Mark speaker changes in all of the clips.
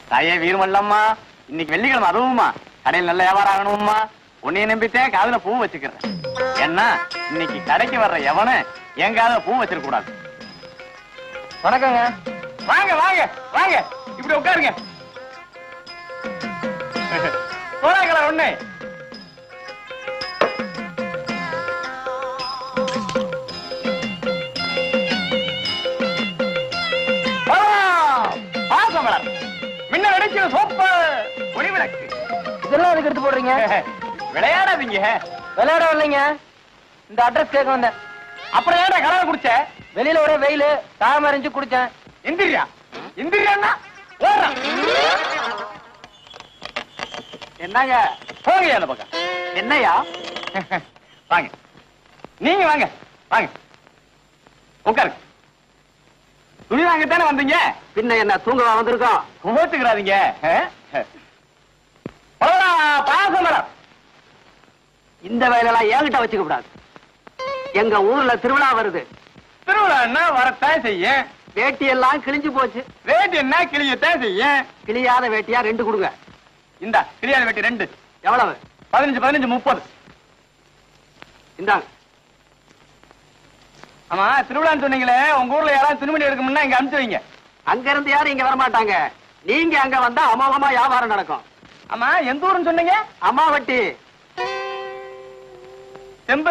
Speaker 1: தாயே வீரமல்லம்மா, இன்னைக்கு வெள்ளிக்கிழமை அதுவும்மா கடையில் நல்ல வியாபாரம் ஆகணும்மா. உன்னைய நம்பித்தேன் காதுல பூ வச்சுக்கிறேன். ஏன்னா இன்னைக்கு கடைக்கு வர்ற எவனு என் காதுல பூ வச்சிருக்க கூடாது.
Speaker 2: வணக்கங்க.
Speaker 1: வாங்க வாங்க வாங்க, இப்படி உட்காருங்க. போறாங்களா ஒண்ணு? முன்ன நடிக்கிற சோப்பு ஒளிவிளக்கு
Speaker 2: இதெல்லாம் அதுக்கு எடுத்து போடுறீங்க?
Speaker 1: விளையாடாதீங்க.
Speaker 2: விளையாட இல்லைங்க, இந்த அட்ரஸ் கேட்க வந்தேன்.
Speaker 1: அப்புறம் ஏடா கலர் குடிச்ச?
Speaker 2: வெளியில ஒரே வெயிலு, தாம அறிஞ்சு குடிச்சேன்.
Speaker 1: இந்திரியா இந்திரியான்னா ஓடுறான். என்னங்க போங்க அந்த பக்கம். என்னையா? வாங்க நீங்க வாங்க வாங்க உட்காருங்க. துணி வாங்கத்தானே வந்தீங்க? பின்ன என்ன தூங்கவா வந்திருக்கோம்? கோச்சுக்கிறாதீங்க. பாசம் மேடம், இந்த வேலையெல்லாம் என்கிட்ட வச்சுக்க கூடாது. எங்க ஊர்ல திருவிழா வருது. திருவிழா வரத்தான் செய்ய. வேட்டி எல்லாம் கிழிஞ்சு போச்சு. வேட்டி என்ன கிழியத்தான் செய்ய. கிழியாத வேட்டியா 2 கொடுங்க. இந்த கிழியாத வேட்டி 2 எவ்வளவு? 15 15 30. இந்தாங்க. ஆமா, திருவிழான்னு சொன்னீங்களே, உங்க ஊர்ல யாராவது துணிமணி எடுக்கணும்னா இங்க அனுப்பிச்சு வைங்க. அங்க இருந்து யாரும் இங்க வர மாட்டாங்க. நீங்க அங்க வந்தா அமோகமா வியாபாரம் நடக்கும். ஆமா, எந்த ஊருன்னு சொன்னீங்க? அம்மாவட்டி. செம்பு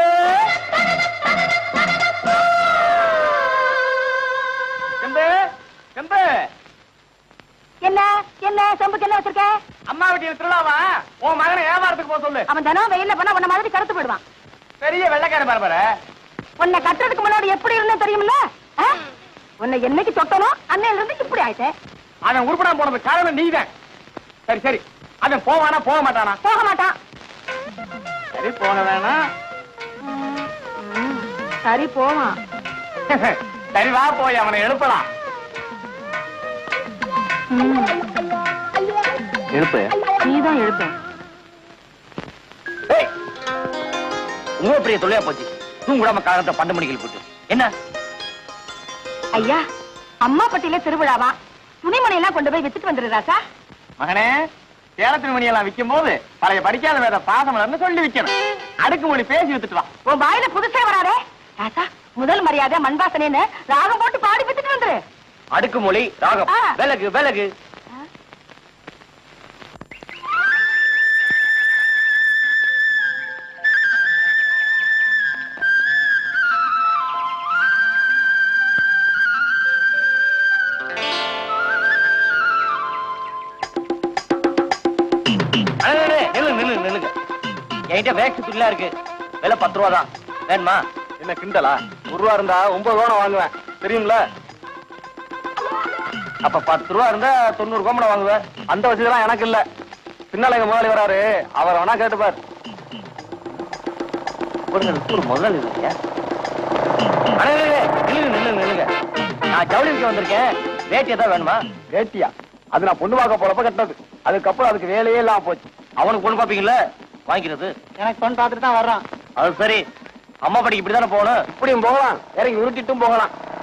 Speaker 1: செம்பு செம்பு.
Speaker 3: என்ன என்ன செம்புக்கு என்ன வச்சிருக்க?
Speaker 1: அம்மாவட்டி திருவிழாவா? உன் மகனை வியாபாரத்துக்கு போக சொல்லு.
Speaker 3: அவன் தினம் வெயில்ல பண்ணா உன்ன மாதிரி கருத்து போயிடுவான்.
Speaker 1: பெரிய வெள்ளைக்கார பரபர.
Speaker 3: உன்னை கட்டுறதுக்கு முன்னாடி எப்படி இருந்தே தெரியுமில்ல? உன்னை என்னைக்கு தொட்டனும் அன்னையில இருந்து இப்படி ஆயிட்டேன்.
Speaker 1: அவன் உருப்படாம போனது காரணம் நீதான். சரி சரி, அவன் போவானா போக மாட்டானா?
Speaker 3: போக மாட்டான்.
Speaker 1: சரி போன வேணா.
Speaker 3: சரி போவான்.
Speaker 1: சரி வா, போய் அவனை எழுப்பலாம். எழுப்பு.
Speaker 3: நீதான் எழுப்ப.
Speaker 1: உங்க பெரிய தொல்லையா போச்சு. தூங்குடாம காலத்தை 12 மணிக்கு போட்டு என்ன?
Speaker 3: ஐயா, அம்மா பட்டியில திருவிழாவா, துணிமணி எல்லாம் கொண்டு போய் வித்துட்டு வந்துடுறாசா.
Speaker 1: மகனே, சேல துணிமணி எல்லாம் விற்கும் போது பழைய படிக்காத வேற பாசமலர்னு சொல்லி விற்கணும். அடுக்குமொழி பேசி வித்துட்டு வா.
Speaker 3: உன் வாயில புதுசே வராதே ராசா. முதல் மரியாதை மண்வாசனேன்னு ராகம் போட்டு பாடி வித்துட்டு வந்துரு.
Speaker 1: அடுக்குமொழி ராகம் விலகு விலகு. என்கிட்ட வேக்ஸ் துணியா இருக்கு. விலை 10 ரூபா தான். வேணுமா? என்ன கிண்டலா? 1 ரூபா இருந்தா 9 ரூபா வாங்குவேன், தெரியும்ல? அப்ப 10 ரூபா இருந்தா 90 கோமணம் வாங்குவேன். அந்த வசதிலாம் எனக்கு இல்ல. பின்னால எங்க முதலாளி வராரு, அவர் வேணா கேட்டுப்பார். முதலாளி இல்லையா? நில்லுங்க. நான் ஜவுளி விற்க வந்திருக்கேன். வேட்டியா தான் வேணுமா? வேட்டியா? அது நான் பொண்ணு பார்க்க போறப்ப கட்டினது. அதுக்கப்புறம் அதுக்கு வேலையே இல்லாம போச்சு. அவனுக்கு பொண்ணு பாப்பீங்கல்ல, வாங்கிக்கிறது.
Speaker 2: எனக்கு பொண்ணு பார்த்துட்டு தான் வர்றான்.
Speaker 1: அது சரி, அம்மா படிக்கு இப்படித்தானே போகணும். இப்படியும் போகலாம், இறங்கி உருட்டிட்டும் போகலாம்.